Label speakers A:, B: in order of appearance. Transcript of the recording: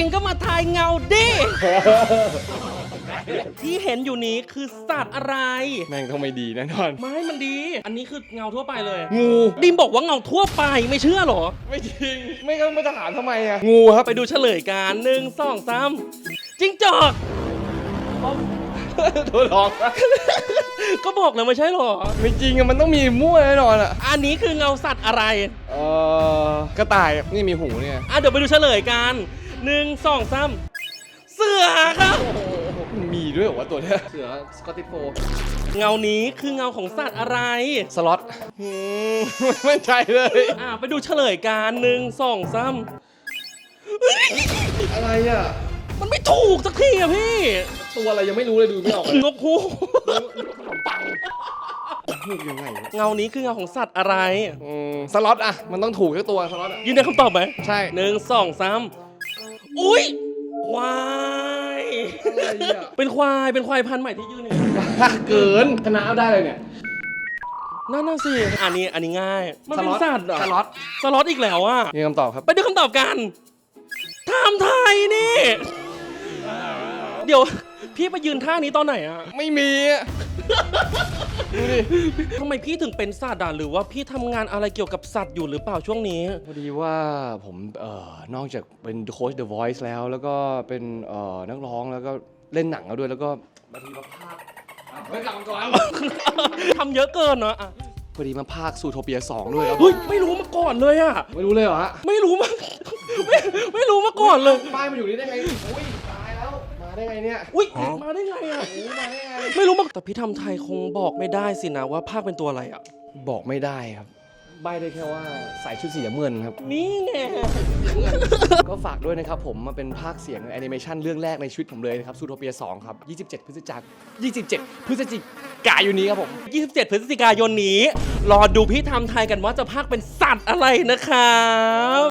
A: ก็มาทายเงาดิ ที่เห็นอยู่นี้คือสัตว์อะไร
B: แม่งต้องไม่ดีแน่นอน
A: ไม่มันดี อันนี้คือเงาทั่วไปเลย
B: งู
A: ดิมบอกว่าเงาทั่วไปไม่เชื่อหรอ
B: ไม่จริงไม่งั้นมันจะถามทำไมอะงูครับ
A: ไปดูเฉลยกัน1 2 3จิ้งจอก
B: ตัวหลอก
A: ก็บอกแล้วไม่ใช่หรอ
B: ไม่จริงอะมันต้องมีมั่วแน่นอนอะ
A: อันนี้คือเงาสัตว์อะไร
B: กระต่ายนี่มีหูเนี่ย
A: เดี๋ยวไปดูเฉลยกัน1 2 3เสือครับ
B: มีด้วยเหรอวะตัวเนี้ยเสือสกอตติชโฟ
A: เงานี้คือเงาของสัตว์อะไร
B: สล็อตไม่ใช่เลย
A: ไปดูเฉลยกัน1 2 3
B: อะไรอะ
A: มันไม่ถูกสักทีอะพี่
B: ตัวอะไรยังไม่รู้เลยดูไม่ออกเลย
A: นกฮูก
B: พูดยังไงวะ
A: เงานี้คือเงาของสัตว์อะไร
B: สล็อตอะมันต้องถูกแค่ตัวสล็อตอะ
A: ยืนยันคำตอบไหม
B: ใช่
A: 1 2 3อุ้ยควาย
B: อะไรอะ
A: เป็นควายพันธุ์ใหม่ที่ยืนอยู่
B: เกินชนะเอาได้เลยเนี่ย
A: นั่นน่ะสิอันนี้ง่าย มันเป็นสัตว์เหรอ
B: สล็อต
A: สล็อตอีกแล้วอ่ะ
B: นี่คำตอบครับ
A: ไปดูคำตอบกันไทม์ไทยนี่ เดี๋ยวพี่ไปยืนท่านี้ตอนไหนอะ
B: ไม่มีอะดูดิ
A: ทำไมพี่ถึงเป็นสัตว์อะหรือว่าพี่ทำงานอะไรเกี่ยวกับสัตว์อยู่หรือเปล่าช่วงนี้
B: พอดีว่าผมนอกจากเป็นโค้ช The Voice แล้วก็เป็นนักร้องแล้วก็เล่นหนังแล้วด้วยแล้วก็บางทีมาพากเฮ้ยกลับมาก่อน
A: ทำเยอะเกินเนาะอะ
B: พอดีมาพากซูโทเปีย2ด้วยครับ
A: เฮ้ยไม่รู้มาก่อนเลยอะ
B: ไม่รู้เลยเหรอฮะ
A: ไม่รู้มาไม่รู้มาก่อนเลย
B: ป้ายมาอยู่นี่ได้ไงอุ้ยตายแล้วมาได้ไงเนี่ย
A: อุ้ยมาได้ไงอะ
B: โอ้มาได้ไง
A: ไม่รู้มาแต่พี่ทำไทยคงบอกไม่ได้สินะว่าภาคเป็นตัวอะไรอะ
B: บอกไม่ได้ครับใบได้แค่ว่าใส่ชุดสีน้ำเงินครับ
A: นี่ไง
B: ก็ฝากด้วยนะครับผมมาเป็นภาคเสียงแอนิเมชันเรื่องแรกในชีวิตผมเลยนะครับซูโทเปีย2ครับ27 พฤศจิกายนนี้ครับผม
A: 27 พฤศจิกายนนี้ รอดูพี่ทำไทยกันว่าจะภาคเป็นสัตว์อะไรนะครับ